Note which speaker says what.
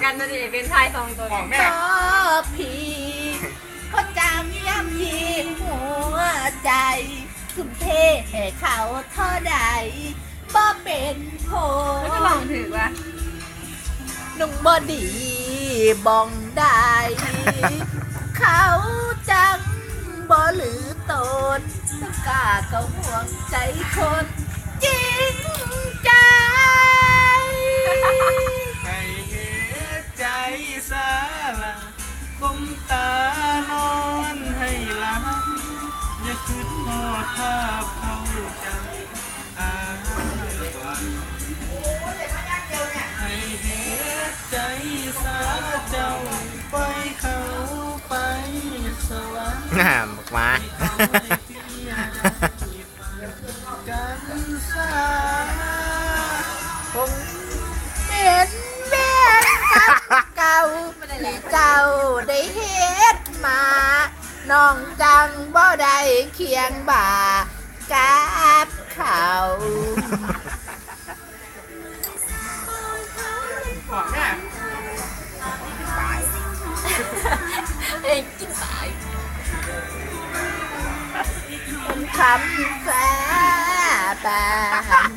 Speaker 1: กันนะดิเป็นชายสองตัว
Speaker 2: ของแม่
Speaker 3: ก็พี่ก็จำย้ำยีหัวใจทุ่มเทให้เขาเท่าใดบ่เป็นโผ
Speaker 1: แล้วก็ลองถือว่า
Speaker 3: นุ่งบอดีบองได้ เขาจังบ่หรือตนกล้าเขาห่วงใจคนจริงใจ
Speaker 2: ให้เหตุใจสาละคมตานอนให้หลับอย่าคิดหอดภาพเขาจำอาให้เหตุใจสาเจ้าไปเขาไปสวรรค์
Speaker 4: น่าบอกมา
Speaker 2: กันสา
Speaker 3: คงเป็นแม่กับเก่าที่เจ้าได้เฮ็ดมาน้องจังบ่ได้เคียงบ่ากับเขา
Speaker 2: ของแม่
Speaker 1: เองกินตาย
Speaker 3: เป็นคำสาบาน